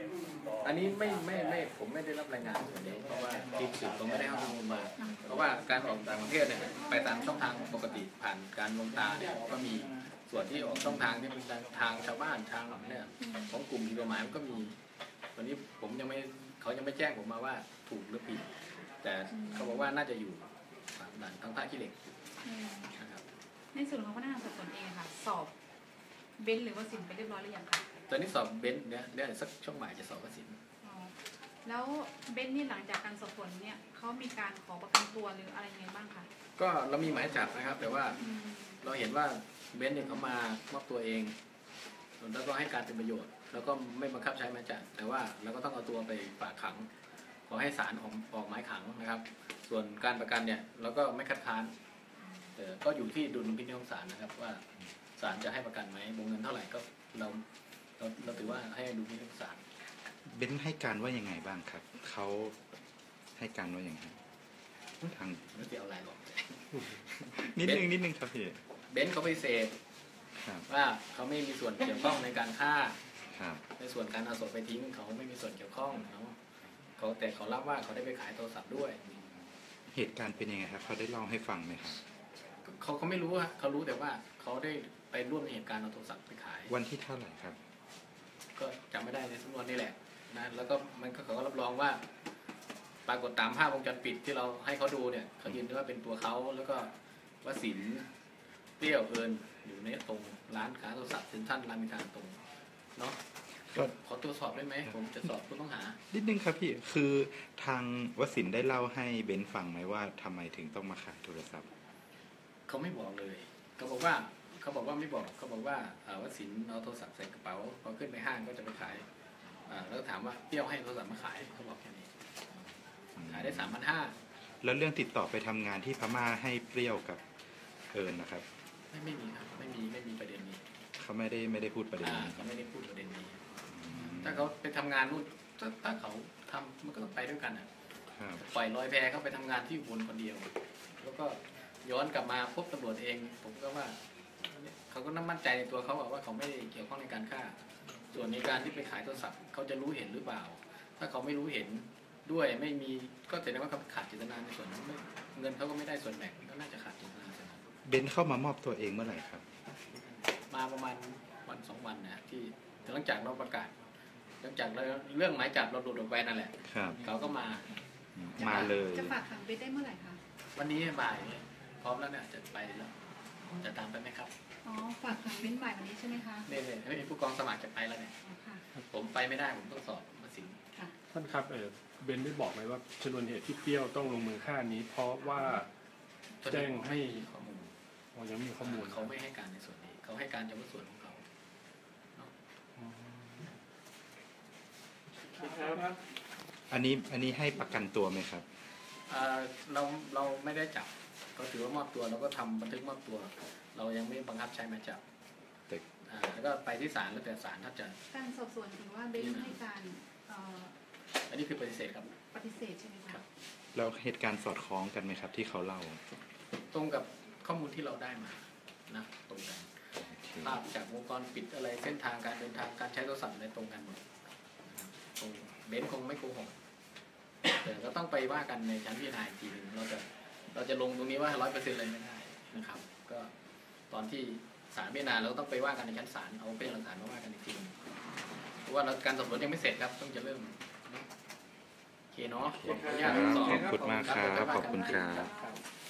อันนี้ไม่ผมไม่ได้รับรายงานส่วนนี้เพราะว่าทีมสืบผมไม่ได้ให้ข้อมูลมาเพราะว่าการออกต่างประเทศเนี่ยไปตามช่องทางปกติผ่านการลงตาเนี่ยก็มีส่วนที่ออกช่องทางที่เป็นทางชาวบ้านทางเนี่ยของกลุ่มผิดกฎหมายมันก็มีวันนี้ผมเขายังไม่แจ้งผมมาว่าถูกหรือผิดแต่เขาบอกว่าน่าจะอยู่ด่านทางท่าขี้เหล็กนะครับในส่วนของพนักงานสอบสวนเองค่ะสอบเบนซ์หรือว่าสินไปเรียบร้อยหรือยังคะตอนนี้สอบเบนซ์เนี่ยสักช่วงบ่ายจะสอบวสินแล้วเบนซ์นี่หลังจากการสอบสวนเนี่ยเขามีการขอประกันตัวหรืออะไรยังไงบ้างคะก็เรามีหมายจับนะครับแต่ว่าเราเห็นว่าเบนซ์เนี่ยเขามามอบตัวเองแล้วก็ให้การเป็นประโยชน์แล้วก็ไม่บังคับใช้หมายจับแต่ว่าเราก็ต้องเอาตัวไปฝากขังขอให้ศาลออกหมายขังนะครับส่วนการประกันเนี่ยเราก็ไม่คัดค้านแต่ก็อยู่ที่ดุลพินิจของศาลนะครับว่าศาลจะให้ประกันไหมวงเงินเท่าไหร่ก็เราถือว่าให้ดุลพินิจของศาลเบนซ์ให้การว่ายังไงบ้างครับเขาให้การว่าอย่างไรทางไม่เกี่ยวอะไรหรอกนิดนึงครับพี่เบนซ์เขาไปเสพว่าเขาไม่มีส่วนเกี่ยวข้องในการฆ่าในส่วนการเอาศพไปทิ้งเขาไม่มีส่วนเกี่ยวข้องเนาะแต่เขารับว่าเขาได้ไปขายโทรศัพท์ด้วยเหตุการณ์เป็นยังไงครับเขาได้เล่าให้ฟังไหมครับเขาไม่รู้ฮะเขารู้แต่ว่าเขาได้ไปร่วมในเหตุการณ์เอาโทรศัพท์ไปขายวันที่เท่าไหร่ครับก็จำไม่ได้ในสำนวนนี่แหละนะแล้วก็เขาก็รับรองว่าปรากฏตามภาพวงจรปิดที่เราให้เขาดูเนี่ยเขายืนยันว่าเป็นตัวเขาแล้วก็วสินเปรี้ยวเอิญอยู่ในตรงร้านขายโทรศัพท์เซ็นทรัลรามอินทราตรงเนาะขอตรวจสอบได้ไหมผมจะสอบผู้ต้องหานิดนึงครับพี่คือทางวสินได้เล่าให้เบนฟังไหมว่าทำไมถึงต้องมาขายโทรศัพท์เขาไม่บอกเลยเขาบอกว่าไม่บอกเขาบอกว่าวสินเอาโทรศัพท์ใส่กระเป๋าพอขึ้นไปห้างก็จะไปขายแล้วถามว่าเปรี้ยวให้โทรศัพท์มาขายเขาบอกแค่นี้ขายได้3,500 แล้วเรื่องติดต่อไปทำงานที่พม่าให้เปรี้ยวกับเอิญนะครับไม่มีครับไม่มีประเด็นนี้เขาไม่ได้พูดประเด็นนี้เขาไม่ได้พูดประเด็นนี้ถ้าเขาไปทำงานนู่นถ้าเขาทำมันก็ต้องไปด้วยกันปล่อยลอยแพเขาไปทำงานที่อุบลคนเดียวแล้วก็ย้อนกลับมาพบตำรวจเองผมก็ว่าเขาก็น่ามั่นใจในตัวเขาว่าเขาไม่ได้เกี่ยวข้องในการฆ่าส่วนในการที่ไปขายโทรศัพท์เขาจะรู้เห็นหรือเปล่าถ้าเขาไม่รู้เห็นด้วยไม่มีก็แสดงว่าเขาขาดเจตนาในส่วนนั้นเงินเขาก็ไม่ได้ส่วนแบ่งก็น่าจะขาดเจตนาเบนเข้ามามอบตัวเองเมื่อไหร่ครับมาประมาณวัน2 วันนะที่หลังจากเราประกาศหลังจากเรื่องหมายจับเราหลุดออกไปนั่นแหละเขาก็มาเลยจะฝากขังเบนได้เมื่อไหร่คะวันนี้บ่ายพร้อมแล้วเนี่ยจะไปแล้วจะตามไปไหมครับอ๋อฝากขังเบนบ่ายวันนี้ใช่ไหมคะนี่ผู้กองสมัครจะไปแล้วเนี่ยผมไปไม่ได้ผมต้องสอบมาสิงท่านครับเบนได้บอกไหมว่าชนวนเหตุที่เปรี้ยวต้องลงมือฆ่านี้เพราะว่าแจ้งให้ข้อมูลยังมีข้อมูลเขาไม่ให้การในส่วนนี้เขาให้การเฉพาะส่วนของเขาอันนี้ให้ประกันตัวไหมครับเราไม่ได้จับก็ถือว่ามอบตัวเราก็ทำบันทึกมอบตัวเรายังไม่บังคับใช้หมายจับแล้วก็ไปที่ศาลแล้วแต่ศาลถ้าจะการสอบสวนถือว่าเบนให้การอันนี้คือปฏิเสธครับปฏิเสธใช่ไหมครับแล้วเหตุการณ์สอดคล้องกันไหมครับที่เขาเล่าตรงกับข้อมูลที่เราได้มานะตรงกันภาพจากวงจรปิดอะไรเส้นทางการเดินทางการใช้โทรศัพท์อะไรตรงกันหมดตรงเบนคงไม่โกหกแต่ก็ต้องไปว่ากันในชั้นพิจารณาอีกทีนึงเราจะลงตรงนี้ว่า100%เลยไม่ได้นะครับก็ตอนที่ศาลพิจารณาเราต้องไปว่ากันในชั้นศาลเอาเป็นหลักฐานมาว่ากันอีกทีนึงเพราะว่าการสอบสวนยังไม่เสร็จครับต้องจะเริ่มโอเคเนาะขอบคุณมากครับขอบคุณครับ